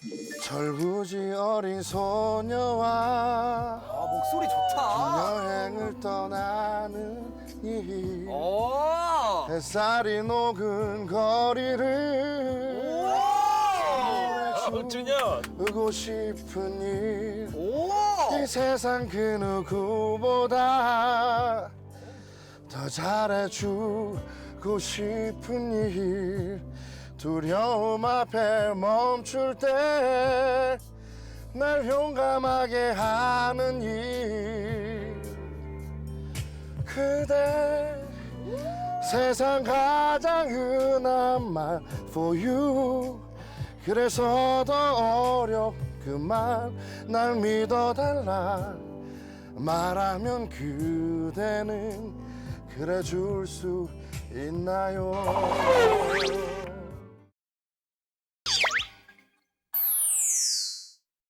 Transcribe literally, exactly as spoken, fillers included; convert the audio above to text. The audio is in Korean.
철부지 어린 소녀와 아 목소리 좋다. 여행을 떠나는 이 오. 햇살이 녹은 거리를 주고 싶은 일 오. 이 세상 그 누구보다 더 잘해주고 싶은 일 두려움 앞에 멈출 때 날 용감하게 하는 일 그대 세상 가장 흔한 말 for you 그래서 더 어렵구만 날 믿어달라 말하면 그대는 그래 줄 수 있나요?